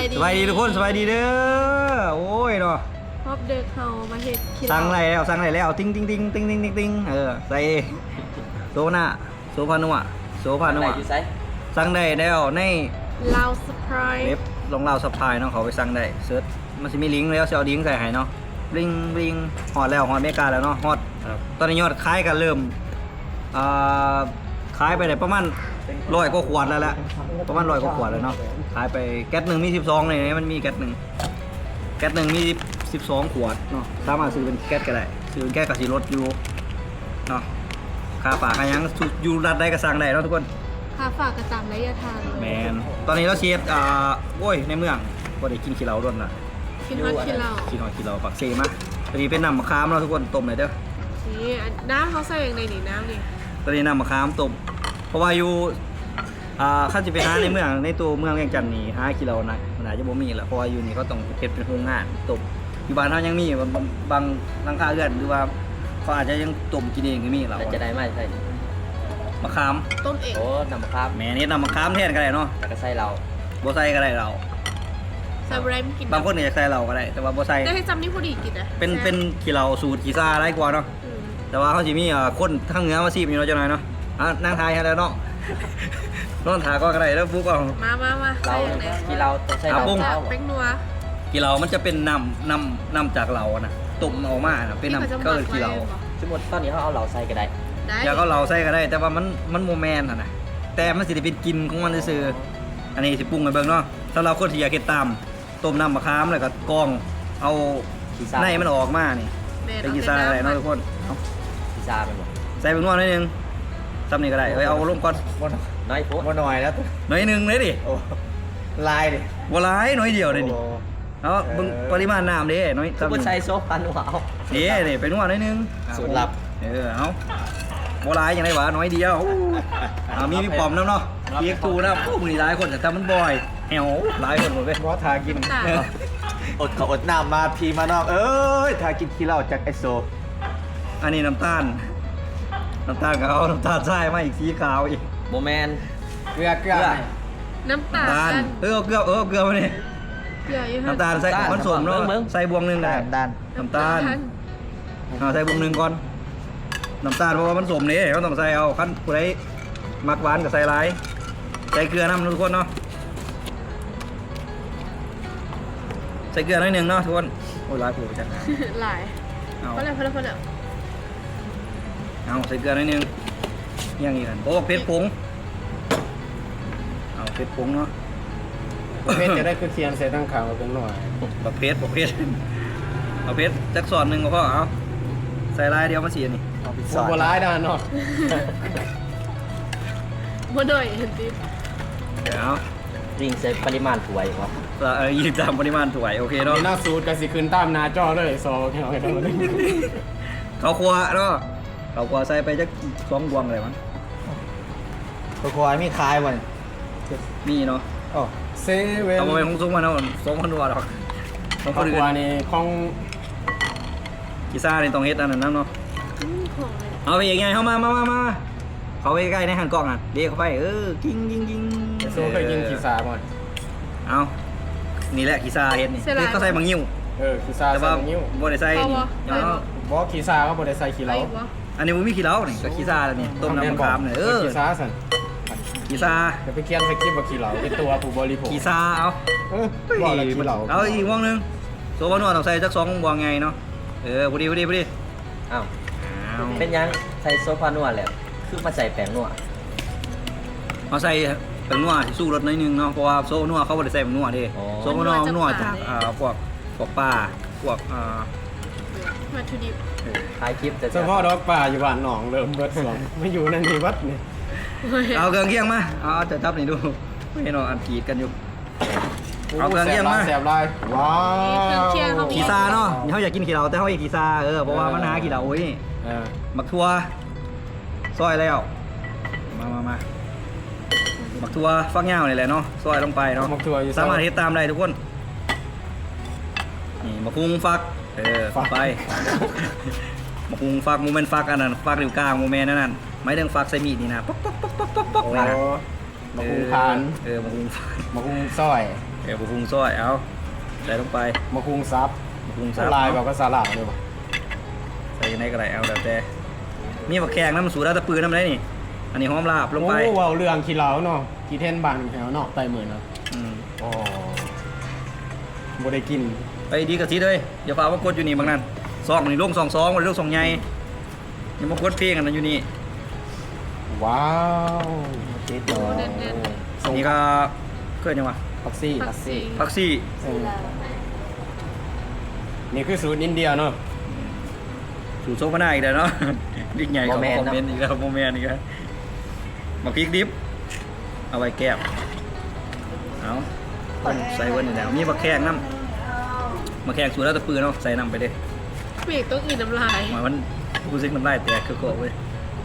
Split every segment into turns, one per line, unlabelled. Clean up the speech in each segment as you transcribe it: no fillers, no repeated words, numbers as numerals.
สบายดีทุกคนสบายดีเด้อโอ้ยเนาะ
พบเด็กเขามาเห็ด
สั่งอะไรแล้วติ้งใส่โซน่าโซพานัวสั่งได้แล้วใน
ลาวสปาย
เว็บลงลาวสปายเนาะเขาไปสั่งได้เซิร์ชมันจะมีลิงก์แล้วเอาลิงก์ใส่ให้เนาะลิงฮอดแล้วฮอดอเมริกาแล้วเนาะฮอดตอนนี้ยอดขายกันเริ่มขายไปได้ประมาณ100 กว่าขวดแล้วแหละประมาณ100 กว่าขวดแล้วเนาะขายไปแก๊สหนึ่งมี12เลยมันมีแก๊สหนึ่งมี12 ขวดเนาะสามารถซื้อเป็นแก๊สก็ได้ซื้อเป็นแก๊สกับสีรถอยู่เนาะค่าฝากค่ายังอยู่รัดได้ก็สั่งได้เนาะทุกคน
ค่าฝากกระจำระยะทาง
แมนตอนนี้เราเชียร์โอ้ยในเมืองก็ได้กินขี้เหล้าด้วยนะ
กินฮอตขี้เหล้า
ปักเซมะตอนนี้เป็นน้ำมะขามเราทุกคนต้มเลยเด้อ
นี่น้ำเขาใส่อย่างไรนี่น้ำนี่
ตอนนี้น้ำมะขามต้มเพราะว่าอยู่ข้าจะไปหาในเมืองในตัวเมืองเวียงจันทน์นี่หาขี้เหล้านะมันอาจจะบ่มีแหละเพราะว่าอยู่นี่เขาต้องเฮ็ดเป็นโรงงานต้มอยู่บ้านเขายังมีบางหลังคาเรือนหรือว่าเขาอาจจะยังต้มกินเองก็มีเรา
จะได้ไหมใช่
มะขาม
ต้มเอง
โอ้น้ำมะขาม
แม่นี่น้ำมะขามแทนก็ได้เนาะ
แต่ก็ใส่เรา
บ่ใส่ก็ได้เรา
ใส่แรมกิน
บางคนอยากใส่เราก็ได้แต่ว่าบ่ใส่
ได้ให้จำนี่พอดีกินนะ
เป็นขี้เหล้าสูตรขี้ซ่าได้กว่าเนาะแต่ว่าเขาจะมีคนทั้งเหนือมาซีบอยู่เนาะจังหน่อยเนาะนั่งทายให้แล้วเนาะนอนถาก็ได้แล้วปุ๊บเอา
มาใส่อย่างไร
กี่เราต้องใส่เรา
เป็นนัว
กี่เรามันจะเป็นน้ำจากเรานะตุ่มออกมาเป็นน้ำก็คือกี่เรา
สมมติตอนนี้เขาเอาเราใส่ก็ได้
อยากเอาเราใส่ก็ได้แต่ว่ามันโมแมนนะแต่มันสิได้เป็นกินของมันซื่ออันนี้สิปรุงกันเบิ่งเนาะถ้าเราคนที่อยากเก็บตามต้มน้ำมะขามแล้วก็กรองเอาในมันออกมานี่เป็นกีซ่าอะไรเนาะทุกคน
กีซ่าเป็นหมด
ใส่เป็นนวดนิดนึงทำนี่ก็ได้เอาลงก่อน
น้อยโพ
ดน้อยแล้วน้อยนึงเลยดิ
ลายดิ
ว่าลายน้อยเดียวเลยดิเอาปริมาณน้ำดิน้อย
ก็ใส่โซ่พันหัวเอา
นี่เป็นนวดนิดนึง
สูตรลับ
เอาว่าลายอย่างไรวะน้อยเดียวมีพี่ปอมน้ำเนาะเกี๊ยกตูนะพวกมือร้ายคนแต่ทำมันบ่อยแหวร้ายคนหมดเลย
ว่าทากินอดน้ำมาพีมานอกทากินขี้เหล้าจากไอโซ
อันนี้น้ำตาลกับเอาน้ำตาลใช่ไหมอีกสีขาวอีก
โมแมน
เกลือ
น้ำตาล
เกลือมาเนี่ยน้ำตาลใส่ผสมเนาะใส่บวงหนึ่งได้น้ำตาลใส่บวงหนึ่งก่อนน้ำตาลเพราะว่ามันสมนี่เขาต้องใส่เอาขั้นผู้ใดมักหวานกับใส่ร้ายใส่เกลือน้ำทุกคนเนาะใส่เกลือหน่อยหนึ่งเนาะทุกคนโอ้ยร้ายผูกจัง
หลายพอแล้ว
เอาใส่เกลือหน่อยหนึ่งอย่างนี้กันโอ้เพชรผงเอาเพชรผงเนาะ
เพชรจะได้คือเคียนใส่ตั้งขาวเป็นหน่อย
บักเพชรเอาเพชรจักสอนหนึ่งก็พอเอาใส่ลายเดียวมาเสียนี่
บัวร้ายด้านนอก
บัวหน่อยเห็นดิ
เดี๋ยว
ริงใส่ปริมาณถ้วยวะ
ยิงตามปริมาณถ้วยโอเคเนาะ
หน้าสูตรกับสิคืนตามนาจอเลยโซ่แค่ไหน
เขาครัวเนาะเขาครัวใส่ไปจัก2 ดวงเลยมั้ง
เขาครัวมีคายวัน
มีเนาะ
เซเว่น
เอาไปของซุ้มมาเนาะ2,000 ดวงหรอก
ของครัวนี่ของ
กีซ่าในตรงเฮ็ดอันนั้นเนาะเอาไปยังไงเข้ามาเขาไปใกล้ในหันกล้องอ่ะเรียกเขาไปกิ้ง
โซ่เคยกินกีซ่าหมด
เอานี่แหละกีซ่าเฮ็ดนี่เขาใส่บางยิ้ว
กีซ่าใส่บางยิ้ว
บ่ได้ใส่นี่
บ่กีซ่าเขาบ่ได้ใส่ขี้เหล้า
อันนี้มันมีขี้เหล้านี่ก็กีซ่าแล้วนี่ต้มน้ำมะขามเนี่ย
กีซ่าสั่น
กีซ่า
เดี๋ยวไปเคี่ยนใส่กิ๊บบ่ขี้เหล้าเป็นตัวผู้บริโภค
กีซ่าเอา
บ่ละขี้เหล้า
เอาอีกวงนึงโซบะนัวต้องใส่จัก2 วงไงเนาะพอดี
อ้าวเป็นยังใส่โซฟานัวแหละคือมาใส่แป้งนัว
เอาใส่แป้งนัวสู้รสหน่อยนึงเนาะเพราะว่าโซนัวเขาบ่ได้ใส่แป้งนัวดิโซนัวจากพวกปลาพวก
วัตถุดิบ
ท้ายคลิปจะ
เฉพาะดอกปลาอยู่บ้านหนองเริ่มเบิดสองไม่อยู่นั่นนี่วัดนี่
เอาเครื่องเคียงมาเอาจะทับนี่ดูให้น้องอันกีดกันอยู่เอาเครื่องเคียงมา
แสบลายว้าว
กีซาเนาะเขาอยากกินขี้เหล้าแต่เขาอยากกีซาเพราะว่ามันหาขี้เหล้าโอ้ยหมักทั่วซอยแล้วมาหมักทั่วฟักเงาเนี่ยแหละเนาะซอยลงไปเนาะสามารถเฮ็ดตามได้ทุกคนนี่มะพุงฟักไปมะพุงฟักโมเมนต์ฟักอันนั้นฟักนิ้วกลางโมเมนต์นั่นไม่เรื่องฟักใส่มีดนี่นะป๊อก
มะพุงพาน
มะพุง
มะพุงซอย
เดี๋ยวพุงซอยเอาใส่ลงไป
มาคุงซับ
พุงซับ
ลายบอกก็สาหร่ายเลยว่ะ
ใส่ยังไงก็ได้เอาแล้วแต่มีบักแขงน้ำสูดาตะปืนน้ำได้นี่อันนี้หอมลาบลงไป
โอ้ว้าวเรื่องขี้เหล้าเนาะขี้เท่นบานแถวเนาะไตเหมือนเนาะ
อืม
อ๋อบ่ได้กิน
ไปดีกับซีเลยอย่าฝ่าว่ากดอยู่นี่บางนั้นซองนี่ลง2 วันลง2ใหญ่ยังมากดเพลงกันนะอยู่นี่
ว้าวติดต่อ
อันนี้ก็เคยยังวะ
พักซี่
ผักซี
พักซี่
นี่คือสูตรอินเดียเนาะ
สูตรโซฟาหน้าอีกแล้วเนาะ ดิ๊กใหญ่กับคอมเมนต์อีกแล้วโมเมนต์อีกแล้วมาพริกดิบเอาไว้แก้มเอาใส่เวันนี่แล้วมีบักแข้งน้ำมาแข้งสูตรแล้วตะปืนเนาะใส่น้ำไปเด้
เปียกต้องกินน้ำลาย
มันกูซิกน้ำลายแตกคือโกะเว้ย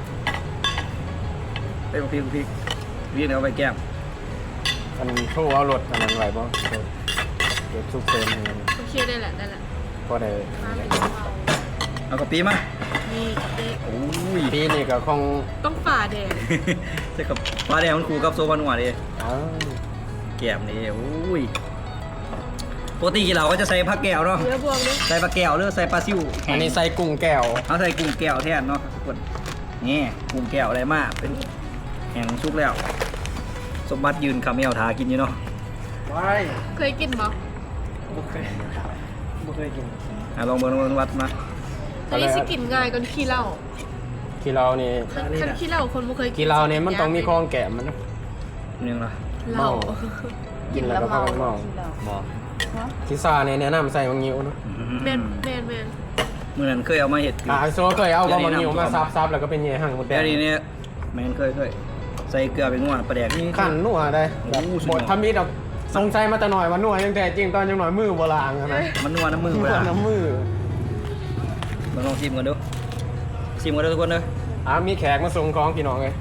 ไปมาพริกวิ่งเอาไว้แก้ม
อันโชว์เอารถอันนั้นไว้บ่รถซุปเปอร์นี่
โอเคได้แหละได้แหละ
ก็ได้
มาเป็นเบา
เอากระปีมา
นี่เด็ก
โอ้ย
ปีนี้ก็คง
ต้องฝ่าแดด
ใช่กับปลาแดงมันคู่กับโซบานัวดิ
อ้าว
แก้มนี่โอ้ยปกติเราก็จะใส่ผักแก้วเนาะ
เนื้อบวมด้วย
ใส่ปลาแก้วหรือใส่ปลาซิวแห้
อั
ง
นนี้ใส่กุ้งแก้ว
เอาใส่กุ้งแก้วแทนเนาะทุกคนนี่กุ้งแก้วอะไรมากเป็นแห้งชุกแล้ว สมบัติยืนคำเอวทากินอยู่เนาะ
เคยกินมั้ย
บ่เคยกิน
ลองเบิ่งวัดมา
อันนี้สิกินง่ายกว่าขี้เหล้า
ขี้เรานี่
คันขี้เหล้าคนบ่เคยกิน
ขี้เรานี่มันต้องมีคองแกะมันนะ
หนึ่งละ
เหล้า
กินแล้วก็พากันเมา
บ่
ที่ซาเนี่ยแนะนำใส่บางงิ้วเนาะ
แม่น
เมื่อนั้นเคยเอามาเห็ดอยู่
โซ่เคยเอาบางงิ้วมาซับๆแล้วก็เป็นเย่ห่างหมดแด
แต่
ง
ทีนี้แมนเคยใส่เกลือไปงวดปลาแดกนี่
ขันนัวได้
โอ้โหสุดย
บ
อด
ททำมีดอกสงสัยมาแต่หน่อยว่านัวยังแต่จริงตอนยังหน่อยมือโบราณนะ
มันนัวน้ำมือ
นั
เว
ว
ลา
น้ำมือ
ลองชิมกันดูชิมกันดูทุกคนเด้อ
มีแขกมาส่งของพี่น้องเลย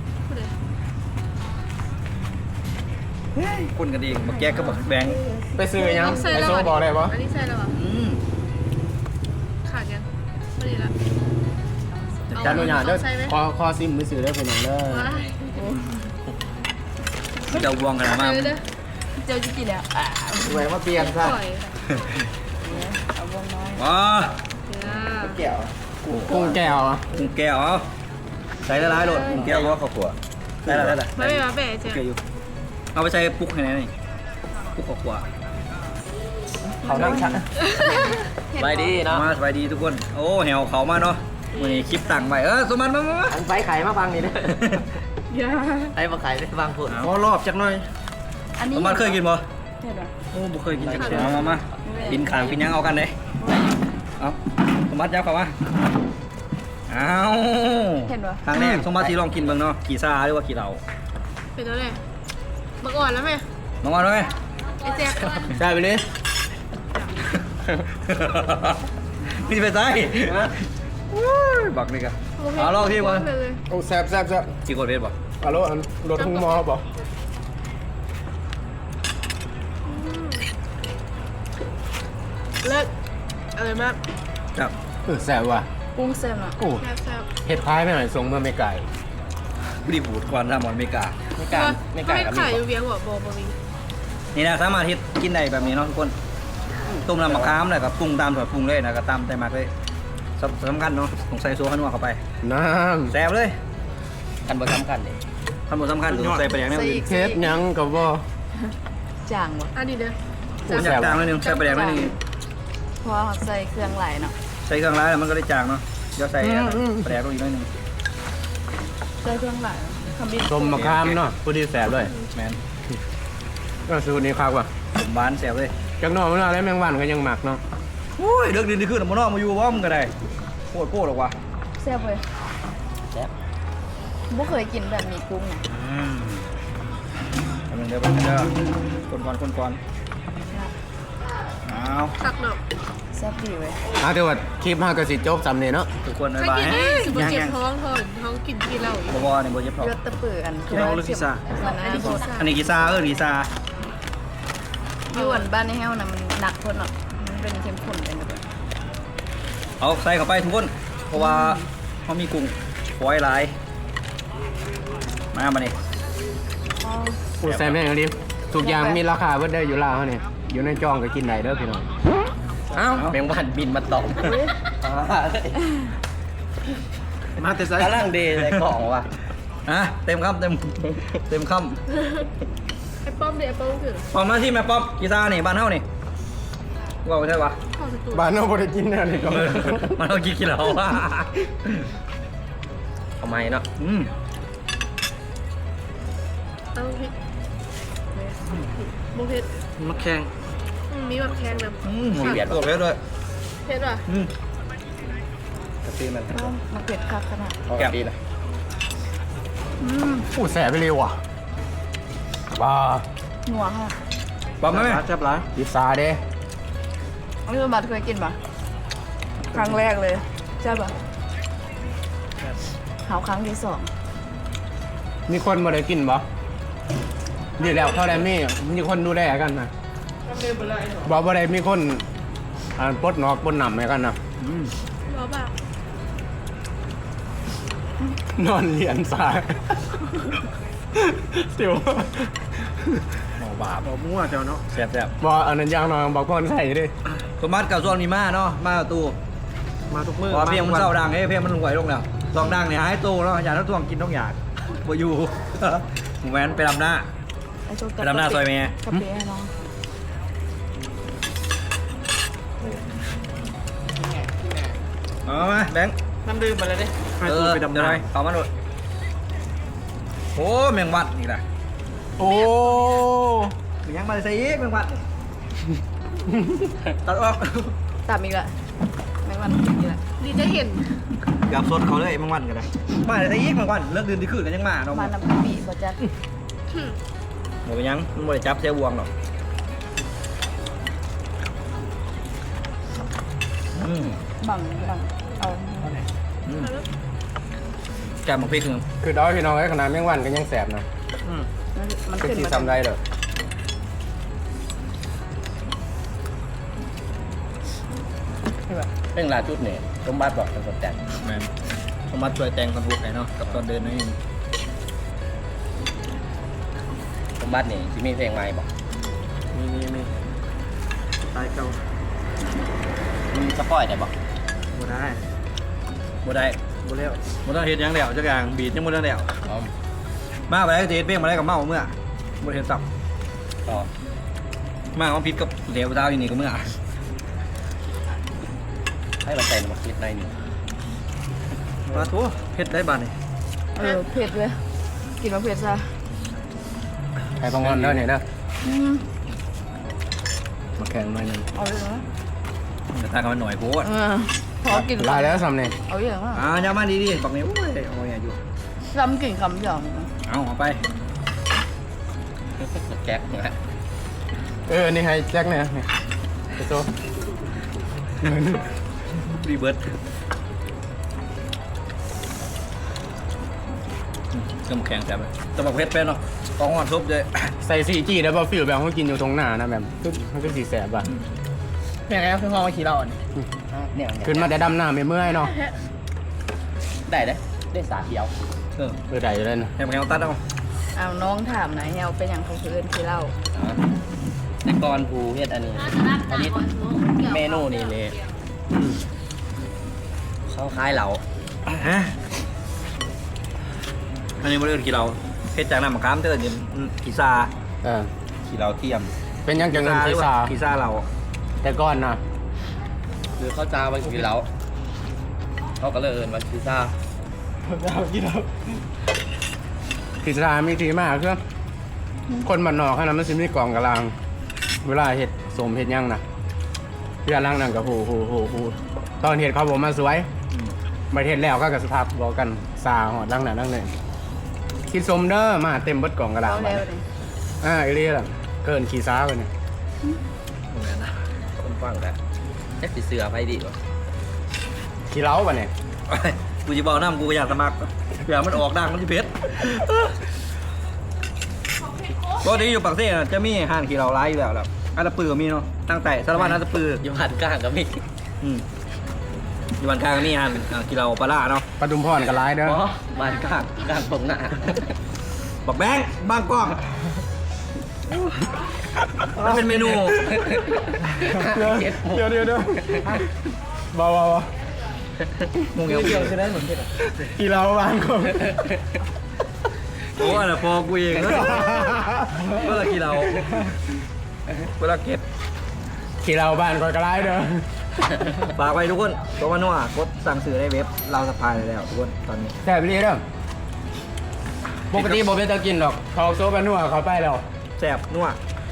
คนกันเองบักแจ๊กกับบักแบงค์
ไปซื้อยัง
ต้องใส่
ไอ
แล้ว
โซ่บอกได้ปะ
อันนี้ใส่แล้วอ่ะขาดยังไม่ดีละ
จานหนูหยาดเด้อ
ใส่ไหม
คอซิมไปซื้อได้พี่น้องเด้อ
ว้าย
เจ้าบวงขนาดมาก
เด้อ
เจ้าจะกินแล้ว
ไว้มาเปลี่ยนซะ
ปล่อย
เอาวงน้อย
ว้า
เดี๋ยว
กุ้งแก้วอะ
กุ้งแก้วเอาใส่ละลายโหลดกุ้งแก้วก็ข้าวขัวได้ละ
ไม่เป็นมาแปะเจ้
โอเคอยู่เอาไปใส่ปุ๊กให้ไหนนี่ปุ๊กข้าวขัว
เขานั่งชัดไปดีเนาะ
มาสบายดีทุกคนโอ้แหวเขามาเนาะวันนี้คลิปตั้งไว้สมมันมา
อันไฟไข่มาฟังนี่เด้อ
อย่า
ไอ้มาไข่ได้ฟังพูด
ขอรอบจักหน่อย
อันนี้
สมมันเคยกินบ่
เห็นไหม
โอ้บ่เคยกินจักเทื่อมากินขางกินยังเอากันเด้เอาสมบัติยับเข้ามาเอา
เห็นปะ
ครั้งแรกสมบัติที่ลองกินเบิ่งเนาะกี่ซาหรือว่ากี่เหล่า
เป็นแล้วแหละมาก่อนแล้วไหม
ลองมาด้วย
ไอ้แจ๊ค
ได้ไปเลย
นี่ไปใส่บักนี่กะเอาลองที่ก่อน
โอ้แซ่บแซ่บแซ่บ
กี่กดเวทบ่
ฮัลโหลอันรถทุ่งมอบอก
เลิกอะไรมาก
ครับ
แซ่บว่ะ
กุ้งเส้นอ่ะ
โอ้
แซ่บ
เห็ดพายไม่หน่อยส่งเมื่อไม่ไก่
รีบบูดก่อนทำหมอนเมกา
ไม่
ๆ
กล้าไม่กล้า
ไม่
กับ
ขาย
มี
อยู่เวียงหัวโบวี
นี่นะสามารถที่กินได้แบบนี้เนาะทุกคนต้มน้ำมะขามเลยกับปรุงตามส่วนปรุงเลยนะก็ตามใจมากเลยสำคัญเนาะต้องใส่โซ่ขันวเข้าไป
น้
แซ่บเลย
กันบ่สำคัญเลย
ขันวสำคัญต้องใส่ไปอย่างนี้
ำเฮ็ดหยังกับว่า
จางวะ
อันนี้เด้อ
ผมอยากจางนิดนึงใส่ไปอย่างนิดนึง
เพราะว่าเขาใส่เครื่องไหลเนาะ
ใส่เครื่องร้ายแล้วมันก็ได้จางเนาะเดี๋ยวใส่ไปแดกลงอีกนิดนึง
ใส่เครื่องไหลขมิ้น
ต้มมะขามเนาะผู้ดีแซ่บเลย
แมน
ก็สูตรนี้ครับว่ะ
ผมบานแซ่บเลย
จักหน่อยมันอะไรแมงวันก็ยังหมักเนาะ
โอ้ยเลิกดินที่ขึ้นมานอกมาอยู่ว่ามันก็ได้โคตรหรอกว่ะ
แซ่บเลย
แซ่บ
บ่เคยกินแบบมีกุ้งนะ
อันนึงเดี๋ยวไปเดี๋ยวคนก่อนเอา
ตักหน่อย
แซ่บดีเว้ย
ถือว่าคลิป5ก็สิจบสำเนียเนาะ
ทุกคน
ใคร
บาย
กินได้สิบ
ยัง
เจ็บ
ยัง
ท้องทอนท้องกินที่เหล้าอีก
บนี่บ่เจ็บท้อง
เลือดตะปืออัน
พี่น้องหรือพิซซ่า
มันน่าโทษ
อันนี้กีซากีซา
อยู่อันบ้านในแห้วนะมันหนักคนเนาะมันเป็นเข้มข้นเป็นแบบ
เอาใส่เข้าไปทุกคนเพราะว่าเขามีกุ้งฝอยหลายมานี่
กูแซ่บแม่งดิ
แ
ทุกอย่างมีราคาเบิดเด้ออยู่ลาวเนี่ยอยู่ในจองก็กินได้เด้อพี่น้อง
เอ้าแมงวันบินมาตอม
มาแต่ไซ
กำลังดีในกล่องว่ะ
เต็มคำเต็มค
ไอ้ป้อมดิไอ้ป้อมคือ
ำปอมหน้าที่แม่ป๊อปกีตาร์นี่บ้านเฮานี่ว่าใช่ปะ
เข้าสตู
บ้านเราบ่ได้กินแนวนี้ก็
มันเอากี่กิโลวะ
ทำไมเนาะ
เอาพริกโมเผ็ด
มันแข็ง
มีแบบแข็งนะ
เบียดตัวเพชรด้วย
เผ็ดว่ะ
กะทิมัน
มันเผ็ดคักขนาด
แกะดีนะ
อู้แสบไปเร็วอ่ะบ้า
นัวค่ะ
ปอมไหม
จับหลาย
พิซซ่าเด้
อันนี้บัตรเคยกินปะครั้งแรกเลยใช่ปะหาครั้งที่ 2
มีคนบ่ได้กินบ่ดีแล้วเข้าได้มีคนดูแลกันนะบอกบ่ได้มีคนปลดนอกปลดหนำให้กันนะ
รอป่ะ
นอนเหรียญสายเดี๋ยว
บาป
บ่มั่วเจ้าเนาะ
แซ่บ
บอกอันนั้นยางนอนบอกพ่อนใส่ดิ
สมบัติกับส่วนนี้มาเนาะมาตู้
มาทุกมื้อ
พอเพียงมันเศร้าดังเพียงมันหวยลงแล้วซองดังเนี่ยหายตู้แล้วอยากทั้งตัวกินต้องอยากบ่อยู่ หมูแวนไปดำหน้า
ไอ้ตัว
ไปดำหน้าซอยเมย์
กะเปียน้อง
เอามาแบงค์
น้ำดื่มมาเลยดิ
ให้ตัวไปดำ
เดี๋ยว
นา
ไรเอามาหน่อยโอ้แมงวัดนี่แหละ
โอ้
มันยังมาใส่อีกแมงวัดตัดออก
ตามอีกละแมงวันกินอีกละ
ดีจะเห็น
หยาบสดเขาเลยแมงวันกันเลยมาใส่อีกแมงวันเลิกดื่มที่คืนกันยังมาเนาะ
มาน้ำกะปิบ่จัด
หมดไปยังมันบ่ได้จับเสียบวงหรอกอืม
บังเอา
แกะหมกพริกคือ
คือดอยพี่น้องไอ้ขนาดแมงวันก็ยังแสบนะ
มัน
ก็
ขึ้น
สี
มา
ซ้ำได้เด้อ
เรื่องราวจุดเนี่ยสมบัติบอกเป็นคนแต่ง
แมนสมบัติช่วยแต่งคนพวกไหนเนาะกับตอนเดินนี่
สมบัตินี่ที่มีเพลงใหม่บอก
มีตายเก่า
มึงสปอยได้บอก
บ่ได้
บ่ได้
บ่แล้ว
บ่ต้องเฮ็ดหยังแล้วจักอย่างบีดยังบ่ได้แล้ว
อ๋อ
มาไปได้เฮ็ดเพลงมาได้กับเมาเมื่อบ่ได้เฮ็ดซับ
ต่อ
มาเอาผิดกับเหลวดาวอยู่นี่ก็เมื่อ
ให้เราใส่มาคิดในนี่
ปลาทูเฮ็ดได้บาดนี่
เผ็ดเลยกินมาเผ็ดซะ
ไอ้บางวันเด้อเนี่ยเด้อ
อืม
มาแข่งมาหนึ่ง
เอาเลยนะ
แต่ตากันมันหน่อยโพด
พอกิน
ลายแล้วซ้ำเนี่ย
เอาอย่างอ่ะ
อย่ามาดีๆบักนี้โอ้ยเอาอย่าอยู่
ซ้ำกินคำหยอง
เอาไป
แก๊กนะ
นี่ให้แจ็คเนี่ยนี่ไปโซ่
รีเบิร์ดเครื่องแข็งแซ่บเลยแต่บักเพชรเป็นเนาะต้องหอนซุปเลย
ใส่4G แล้วบ่ฟิลแบบเขากินอยู่ตรงหน้านะแบบมันก็สีแสบอ่ะ
เนี่ยไงคือห้องขี่เราเนี่ย
ขึ้นมาแต่ดำหน้าไม่เมื่อยเนาะ
ได้ได้สาเดียว
ได้อยู่เลยนะ
แข็งตัดเอา
เอาน้องถามหน่อยเฮาเป็นอย่างของเพื่อนที่เล่า
แต่ก่อนกูเฮ็ดอันนี้เมนูนี่เลยเขาคล้ายเหลา
ฮะอันนี้มันเรื่องกี่เราเพชรจากน้ำมะขามเตือนกีซา
ขี่เราเทียม
เป็นยังจังเงินพิซซ่า
กีซาเรา
แต่ก่อนนะ
หรือเขาจาวันขี่เราเขาก็เลยเอินวันพิซซ่า
พิซซ่ามีทีมากคือคนบ้านนอกขนาดมันสิมีกล่องกะลาง เวลาเห็ดสมเห็ดหยังนะเพื่อนล่างนั่นกับหูตอนเห็ดเขาบอกมาสวยมาเห็ดแล้วก็กับสภาพบอกกันซาหอดล่างนั่นล่างนี่คิดสมเด้อมาเต็มเบิดกล่องกะลาง
เอาแล้วเลย
เอเรียล่ะเกินขี่ซ้าไปเนี่ย
เหมือนนะ
คนฟังแล้วแจ็คสีเสือไปดีกว่า
ขี่เล้าป่ะเนี่ย
กูจะบอกน้ำกูอยากสมัครเผื่อมันออกดังมันจะเพชรปกติอยู่ปากเซ่จะมีห้างขี่เราไล่อยู่แล้วแบบอันตะปือมีเนาะตั้งแต่สารวัตรอันตะปือ
อยู่หันกลางก็มี
อยู่บ้านกลางนี่ฮันกิโลปลาล่าเนาะ
ปทุมพรกับร้ายเด้อ
อ๋อบ้านกลางตรงหน้า
บอกแบงค์บางกล้องมันเป็นเมนู
เดี๋ยวบ่
งงเงี้ยคือได้เหมือนกัน
กีฬาบ้านก็
โอ้อันนั้นพอกูเองนะเวลากี่เราเวลาเก็บ
กีฬาบ้านก็กระไรเด้อ
ฝากไว้ทุกคนตัวมันว่ากดสั่งซื้อได้เว็บเราสะพายแล้วทุกคนตอนนี้
แซ่บดีเด้อปกติบ่เป็นตะกินหรอกเขาโซบานัวเขาไปแล้ว
แซ่บนัว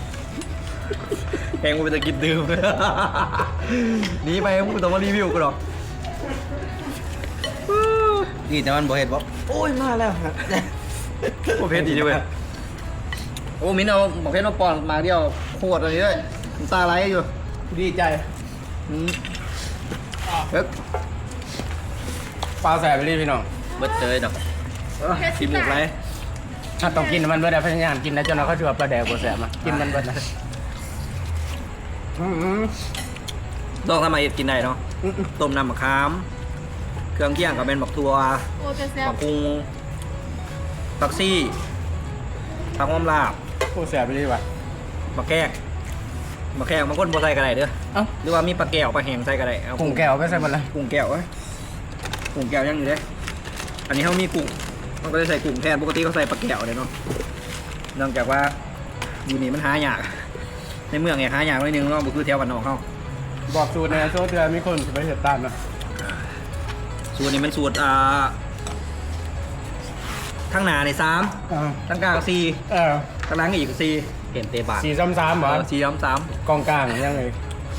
แพงกูไปจะกินดื่มหนีไปมึงต้องมารีวิวกูหรอกนี่แต่มันบ่เห็ดบ่โอ้ยมาแล้วครับโอ้เพชรดีด้วยโอ้มิ้นเอาบอกเพชรมาปอนมาเดียวโคตรอันนี้เลยตาไหลอยู่
ดีใจ
เฮ้ย
ปลาแซ่บดีพี่น้อง
เบิดเตยดอก
ชิมหมดไร
ถ้าต้องกินมันเบิดได้พยายามกินนะจนเราเขาถือว่าปลาแดกบ่แซ่บมากินมันเบิดนะ
ลองทำไมกินได้เนาะต้มน้ำมะขามเครื่องเคียงกับเป็นบักทั่ว
โอ้จะแซ่บ
บักกุ้งบักซี่ผักหอมลาบ
โอ้แซ่บดีว่ะ
บักแกกบางคนบ่ใส่กระไรเด้อ
เอ้า
หรือว่ามีปลาแก้วปลาแห้งใส่กระไรเอา
กุ้งแก้วไปใส่หมดเลย
กุ้งแก้วกุ้งแก้วยังอยู่เด้อันนี้เขามีกุ้งมันก็จะใส่กุ้งแทนปกติเขาใส่ปลาแก้วเลยเนาะเนื่องจากว่าอยู่นี่มันหายากในเมืองเนี่ยหายากนิดนึงเนาะบ่คือแถวบ้านนอกเขา
บอกสูตรในโซเทือมีคนสิไปเฮ็ดตามนะ
สูตรนี้มันสูตรทั้งหน้าใน3ทั้งกลาง4ทั้งหลังอีก4
เห็นเตะบาท
4 3 3บ่
4
กองกลางยังไง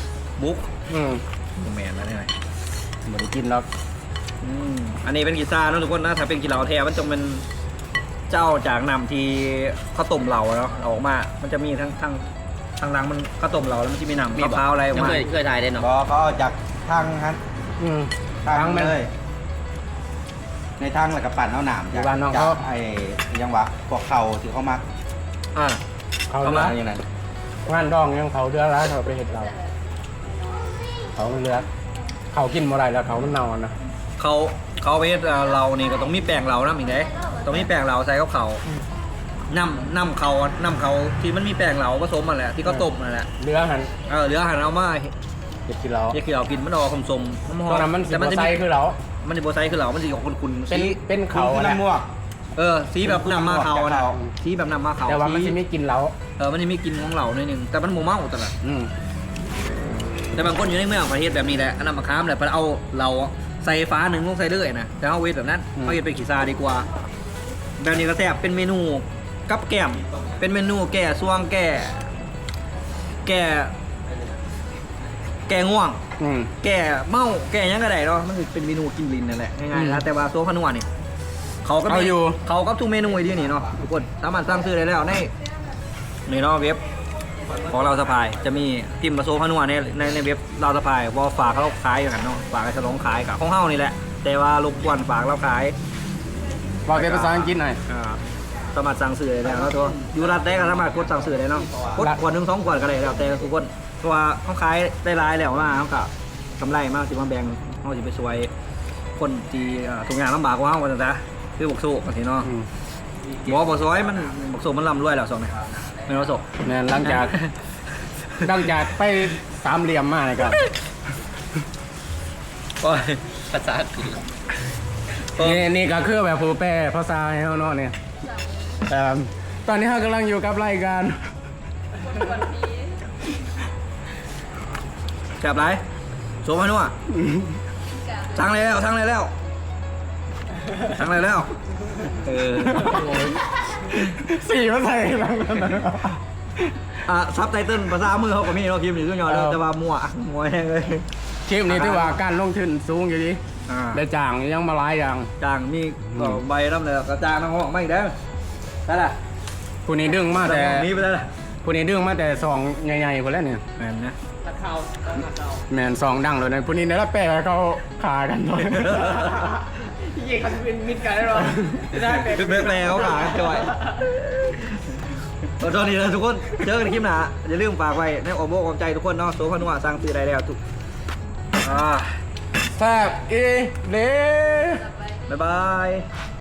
3บุ๊กแมนแล้วเนี่ย
บ่ได้กินหรอก
อันนี้เป็นกีซ่าเนอะทุกคนนะถ้าเป็นกีฬาแท้มันจะเป็นเจ้าจากนำที่ข้าวต้มเหลาเนาะเอาออกมา มันจะมีทั้งหลังมันข้าวต้มเหลาแล้วมันจะมีน้ำมะพร้าวอะไรออก
ยัง
มา
เคยทายได้เนาะ
บอกเขาเอาจากทางฮัน
ทางมัน
เลย ในทางแล้วก็ปั่นเอาหนาม
อยู่บ้านน้องเขา
ไอ้ยังวะพวกเขาที่เขามัก
อ่า
เขา
เข้า
เลื
มา
อก
อย่างนั้น
งานดองยังเขาเดือดร้ายเขาไปเฮ็ดเราเขาเลือกเขากินบ่ได้แล้วเขามันเน่าอะนะ
เขาเวทเรานี่ก็ต้องมีแป้งเราน้ำอีกได้ต้องมีแป้งเราใส่กับเขาน้ำเขาที่มันมีแป้งเราผสมมาแหละที่เขาต้มนั่นแหละ
เรือหัน
เหลือหันเอามา
เฮ็ดกินเรา
เกี่ยวกินมันออกสมๆหอ
ตอน
ม
นั้นมันสิ
แต่
บ่
จะ
ใส่
มี
คือเรา
มันจะโบไซคือเรามันจะออกคุณ
เป็นเขา
คือ
อะนะ
น้ำม่วง
สีแบบน้ำมาเขานะ
เขา
สีแบบน้ำมาเขา
แต่ว่ามันสิไม่กินเรา
มันจะมีกลินของเหล่าหน่อยหนึงแต่มันโมเมาแต่ละ
อืม
แต่บางคนอยู่ในเมืองประเทศแบบนี้แหละอันนั้นมาค้ามแหละพอเอาเราใส่ฟ้าหนึ่งลงใส่เรื่อยนะแต่เอาเวทแบบนั้นเอาเวทเป็นขีซาดีกว่าแบบนี้ก็แซ่บเป็นเมนูกับแก้มเป็นเมนูแก่ซ่วงแก่ง่วง แก่เมาแก่ยังก็ได้เนาะมันคือเป็นเมนูกินลิ้นนั่นแหละง่ายๆนะแต่ว่าโซฟานัวนี่เขาก็มีเขาก็ทุกเมนูไอ้ที่นี่เนาะทุกคนสามารถสั่งซื้อได้แล้วในเนาะเว็บของเราสะพายจะมีพิมพ์มาโซฟานัวในเว็บเราสะพายว่าฝากเขาขายอยู่กันเนาะฝากให้ฉลองขายกับของเฮานี่แหละแต่ว่ารบกวนฝากเราขาย
บอกเป็นภาษาอังกฤษหน่อย
สามารถสั่งซื้อได้แล้วเนาะตัวอยู่รัดได้ก็สามารถกดสั่งซื้อได้เนาะกดขวดหนึ่ง2 ขวดก็ได้แล้วแต่ทุกคนเพราะว่าเขาขายได้หลายแล้วมาเขาก็กำไรมากสิมาแบ่งเขาจะไปช่วยคนที่ทุกอย่างลำบากกว่าเขาจะคือบกสู้กันสิเนาะบอกซอยมันบกสู้มันร่ำรวยแล้วสองเนี่ยไม่รู้สก
แม่นหลังจากไปสามเหลี่ยมมาเลยครับ
ก็
ภาษาอังกฤษ
นี่ก็คือแบบผู้แปลภาษาให้เขาเนาะเนี่ยตอนนี้เรากำลังอยู่กับรายการ
จับไรโซมานัวสั่งเลยแล้ว
สี่ภาษาหลังนั้น
ซับไตเติ้ลภาษามือเขาก็มีเราพิมพ์อยู่ขึ้นยอดเลยแต่ว่ามั่วแห้งเลย
คลิปนี้ถือว่าการลงทุนสูงอยู่ดีได้จ้างยังมาหลายอย่าง
จางมีใบน้ำเลยกระจางน้ำห้องไม่ได้ได้ละ
ผู้นี้ดึงมาแต่
นี้ไปได้ละ
ผู้นี้ดึงมาแต่ซองใหญ่ๆคนแล้วเนี่ย
แมนนะ
แมนซองดังเลยนะผู้นี้เนี่ยแปลให้เขาขากันหน่อย
ยี่เขาจะเป็นมิตรกันได้หรอได้
คือแปลเขาขายจอยตอนนี้นะทุกคนเจอกันในคลิปหน้าอย่าลืมฝากไว้ในอ้อมอกอ้อมใจทุกคนเนาะโซฟานัวสร้างซื้อได้แล้วทุก
แซ่บอีเด้
บ๊ายบาย